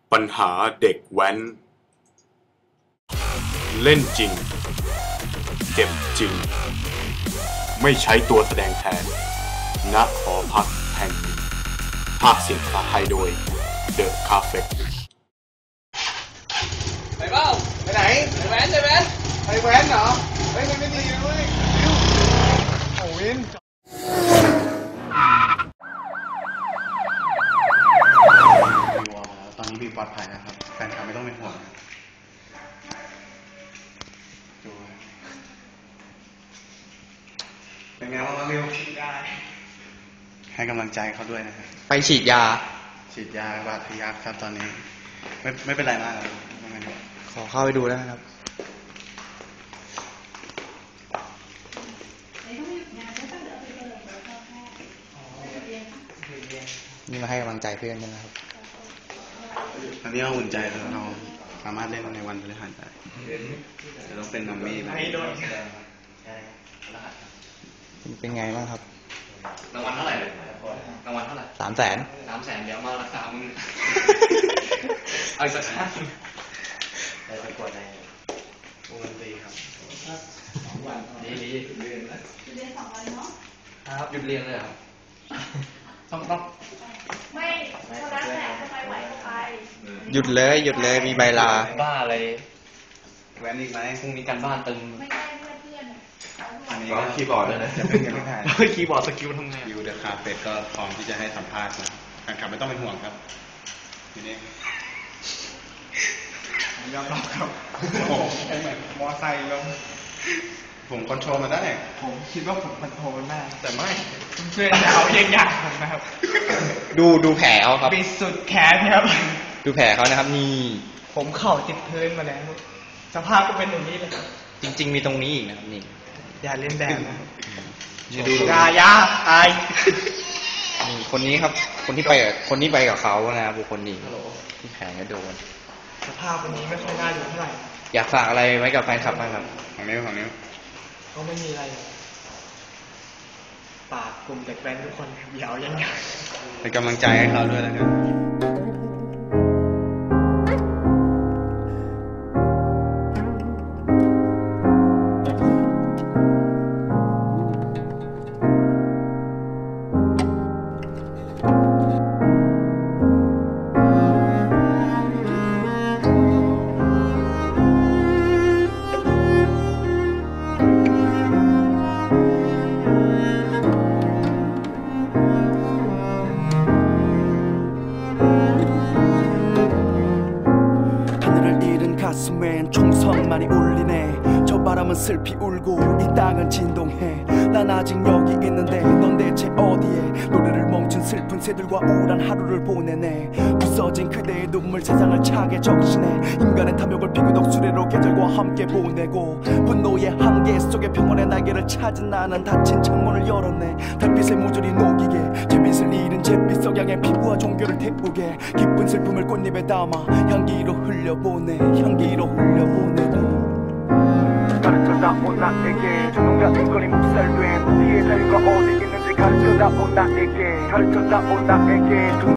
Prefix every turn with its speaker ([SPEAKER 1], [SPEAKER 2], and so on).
[SPEAKER 1] ปัญหาเด็กแว้นเล่นจริงเจ็บจริงไม่ใช้ตัวแสดงแทนณหอพักแห่งหนึ่งภาคเสียงภาษาไทยโดย The Cafe
[SPEAKER 2] ไปเปล่าไปไหนไปแว้นไปแว้นไปแว้นเหรอเฮ้ยมันไม่ดีนะเว้ยโอ้วิน
[SPEAKER 3] ตอนนี้บีปลอดภัยนะครับแฟนคลับไม่ต้องเป็นห่วงดูเป็นไงบ้างวิวให้กำลังใจเขาด้วยนะครับ
[SPEAKER 2] ไปฉีดยา
[SPEAKER 3] บาดทะยักครับตอนนี้ไม่เป็นไรมากเลย
[SPEAKER 2] ขอเข้าไปดูได้ไหมครับนี่มาให้กำลังใจเพื่อนใช่ไหมครับ
[SPEAKER 3] ตอนนี้เราอุ่นใจแล้วเราสามารถเล่นในวันพฤหัสได้จะต้องเป็นนัมมี่นะ
[SPEAKER 2] เป็นไงบ้างครับ
[SPEAKER 4] รางวัลเท่าไหร่รางวัลเท่าไหร่300,000เดี๋ยวมารักษามึงเอาอีกสักครั้งได้ประกวดในวงดนตรีครับ2 วันดีหยุดเรียนแล้วหยุดเรียน2 วันเนาะครับหยุดเรียนเลยครับต้อง
[SPEAKER 5] ไม่เท่านั้นแหละทำไมไหวก็ไป
[SPEAKER 2] หยุดเลยมีใบลา
[SPEAKER 4] บ้าอะไร
[SPEAKER 3] แว้นอีกไหม
[SPEAKER 4] พรุ่งนี้การบ้านตึง
[SPEAKER 5] ไม่ได้เพื่อน
[SPEAKER 3] อันนี้ก็คีย์บอร์ดเลยนะจะเป็นยังไง
[SPEAKER 4] คีย์บอร์ดสกิลทำไง
[SPEAKER 3] ยูเดอะคาเฟ่ก็พร้อมที่จะให้สัมภาษณ์นะแฟนคลับไม่ต้องเป็นห่วงครับทีนี้
[SPEAKER 2] ยอมรับครับโอ้เหมือนมอไซค์ลง
[SPEAKER 3] ผมคอนโทรลมาได้
[SPEAKER 2] ผมคิดว่าผมคอนโทรลมันได้แต่ไม่เพื่อนเขาเยี่ยงอย่างผมนะครับดูแผลเขาครับปิดสุดแขนครับดูแผลเขานะครับนี่ผมเข่าติดพื้นมาแล้วสภาพก็เป็นอย่างนี้เลยจริงๆมีตรงนี้อีกนะครับนี่อย่าเล่นแบบนะดูอย่าอายนี่คนนี้ครับคนที่ไปกับเขานะครับบุคคลนี้ที่แผลก็โดนสภาพวันนี้ไม่ค่อยน่าดูเท่าไหร่อยากฝากอะไรไว้กับแฟนคลับบ้างครับ
[SPEAKER 3] ของนิ้ว
[SPEAKER 2] ก็ไม่มีอะไรฝากกลุ่มเด็กแว้นทุกคนอย่าเอายังไง
[SPEAKER 3] เป็นกำลังใจให้เขาด้วยนะครับ
[SPEAKER 6] 가슴엔 총성만이 울리네 저 바람은 슬피 울고 이 땅은 진동해 난 아직 여기 있는데 넌 대체 어디에 노래를 멈춘 슬픈 새들과 우울한 하루를 보내네 부서진 그대의 눈물 세상을 차게 적시네 인간의 탐욕을 피구덕 수레로 계절과 함께 보내고 분노의 한계 속에 평온의 날개를 찾은 나는 닫힌 창문을 열었네 달빛에 모조리 녹이게 제빛을 잃은 잿빛 석양의 피부와 종교를 태우게 기쁜 슬픔을 꽃잎에 담아 향기로 흘려보내 가르쳐다오 나에게 주동자 인권이 묵살된 우리의 자유가 어디 있는지 가르쳐다오 나에게